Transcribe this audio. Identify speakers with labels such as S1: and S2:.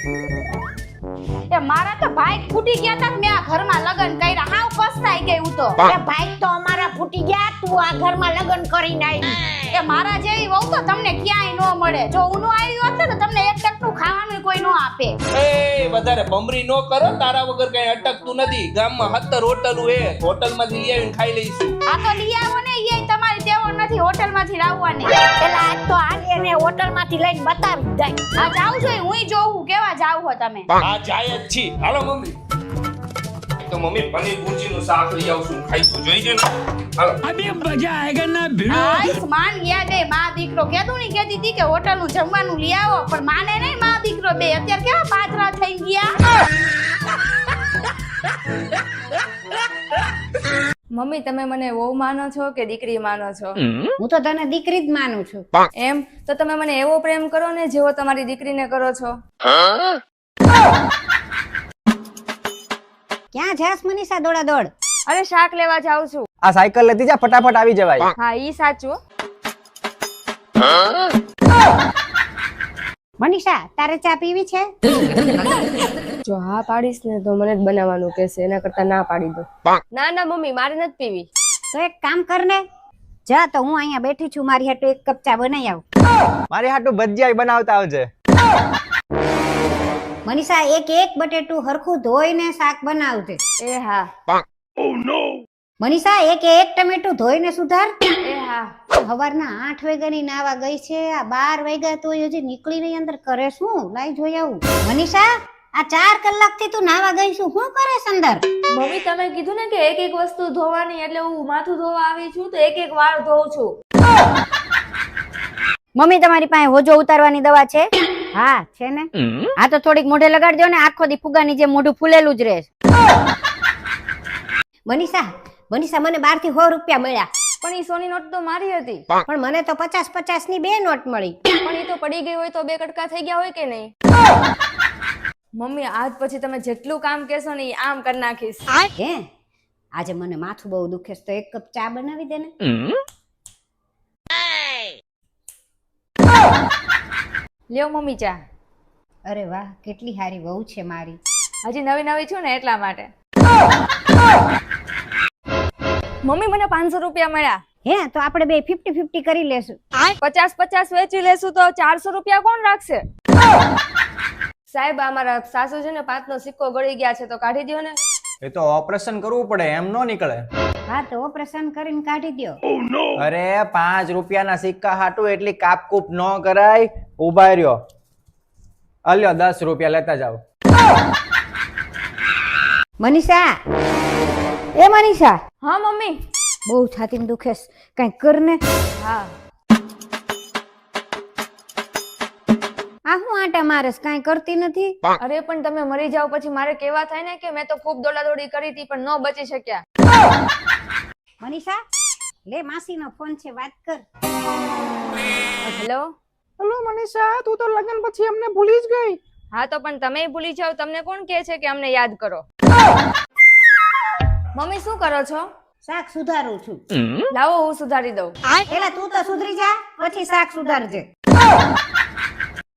S1: એ મારા તો ભાઈ ફૂટી ગયા તા મેં આ ઘરમાં લગન કર્યા હાવ પસ્તાઈ ગઈ હું તો
S2: એ ભાઈ તો અમારા ફૂટી ગયા, તું આ ઘરમાં લગ્ન કરીને આવી.
S1: એ મારા જેવી વહુ તો તમને ક્યાંય ન મળે. જો હું નો આવી હોત ને તો તમને એક ટકનું ખાવાનું કોઈ ન આપે.
S3: એ વધારે બમરી નો કરો, તારા વગર કઈ અટકતું નથી. ગામમાં 17 હોટલો હે, હોટલમાંથી લઈ આવીને ખાઈ લઈશું.
S1: આ તો લઈ આવો ને એ તમારી દેવો નથી હોટલમાંથી લાવવાની.
S2: પેલા આજ તો આને એને હોટલમાંથી લઈને બતાવી દઈ.
S1: આ જાવ છો હુંય જોઉં કેવા જાવ હો તમે.
S3: આ જાય જ છી. હાલો મમ્મી. તો મમ્મી પનીર ભુરજીનું શાક લઈ આવશું, ખાઈશું. જોઈજો ને. હાલો.
S4: अभी मजा आएगा ना भिड़ो.
S1: આયુષ્માન ગયા બે માં દીકરો. કેતું ની કેતી હતી કે હોટલનું જમવાનું લઈ આવો, પણ માને નહીં માં દીકરો બે. અત્યારે કેવા પાતરા થઈ ગયા.
S5: મમ્મી તમે મને વહુ માનો છો કે દીકરી માનો છો?
S2: હું તો તને દીકરી જ માનું છું.
S5: એમ તો તમે મને એવો પ્રેમ કરો ને જેવો તમારી દીકરીને કરો છો.
S2: ક્યાં જાસ મનીષા દોડા દોડ?
S5: અરે શાક લેવા જાઉં છું.
S6: આ સાયકલ લેતી જા, ફટાફટ આવી જવાય.
S5: હા ઈ સાચું.
S2: મનીષા તારે ચા પીવી છે?
S5: જો હા પાડીશ ને તો મને જ બનાવવાનું કહેશે, એના કરતા ના પાડી દો. ના ના મમ્મી મારે નથી પીવી.
S2: તો એક કામ કર ને, જા તો હું અહીંયા બેઠી છું, મારી હાટુ એક કપ ચા બનાવી આવ.
S6: મારી હાટું ભજીયા બનાવતા આવજે.
S2: મનીષા એક એક બટેટું હરખું ધોઈને શાક બનાવજે.
S5: એ હા.
S2: મનીષા એક એક ટમેટું ધોઈને સુધાર.
S5: એ હા.
S2: સવારના 8 વાગ્યાની નાવા ગઈ છે, આ 12 વાગ્યા તો હજી નીકળી નહીં અંદર. કરે શું? લાઈ જોઈ આવું. મનીષા આ 4 કલાકથી તું નાવા ગઈ છું, શું કરેસ અંદર?
S5: મમ્મી તમે કીધું ને કે એક એક વસ્તુ ધોવાની, એટલે હું માથું ધોવા આવી છું તો એક એક વાળ ધોઉં છું.
S2: મમ્મી તમારી પાસે હોજો ઉતારવાની દવા છે? હા છે ને. આ તો થોડીક મોઢે લગાડી દો ને, આખો દી ફુગાની જે મોઢું ફૂલેલું જ રહે. મનીષા મનીષા મને 12 થી 100 રૂપિયા મળ્યા.
S5: પણ ઈ સોની નોટ તો મારી હતી.
S2: પણ મને તો 50 ની 2 નોટ મળી.
S5: પણ ઈ તો પડી ગઈ હોય તો 2 કટકા થઈ ગયા હોય કે નહીં? મમ્મી આજ પછી તમે જેટલું કામ કહેશો ને ઈ આમ કરી નાખીશ.
S2: હે આજે મને માથું બહુ દુખે છે, તો એક કપ ચા બનાવી દે ને.
S5: લ્યો મમ્મી ચા.
S2: અરે વાહ કેટલી સારી વહુ છે મારી.
S5: હજી નવી નવી છું ને એટલા માટે. મમ્મી મને 500 રૂપિયા મળ્યા.
S2: હે તો આપણે બે 50-50 કરી લેશું.
S5: 50-50 વેચી લેશું તો 400 રૂપિયા કોણ રાખશે? સાહેબ અમારા સાસુ છે ને 5 નો સિક્કો ગળી ગયા છે તો કાઢી દો ને.
S6: એ તો ઓપરેશન કરવું પડે, એમ નો નીકળે.
S2: હા તો ઓપરેશન કરીને કાઢી દ્યો.
S6: અરે 5 રૂપિયાના સિક્કા હાટું એટલી કાપકૂપ ન કરાય. ઉભા રહ્યો, અલ્યો 10 રૂપિયા લેતા જાવ.
S2: મનીષા એ મનીષા.
S5: હા મમ્મી.
S2: બહુ છાતીમાં દુખે છે, કંઈક કર ને.
S5: હા.
S2: આ હું આટા મારસ, કાંઈ કરતી નથી.
S5: અરે પણ તમે મરી જાવ પછી મારે કેવા થાય ને કે મેં તો ખૂબ દોડાદોડી કરી હતી પણ ન બચી શક્યા.
S2: મનીષા લે માસીનો ફોન છે, વાત કર.
S5: હેલો.
S6: હેલો મનીષા, તું તો લગ્ન પછી અમને ભૂલી જ ગઈ.
S5: હા તો પણ તમે ભૂલી જાવ, તમને કોણ કહે છે કે અમને યાદ કરો? મમ્મી શું કરો છો?
S2: શાક સુધારું છું.
S5: લાવો હું સુધારી દઉં.
S2: પેલા તું તો સુધરી જા, પછી શાક સુધારજે.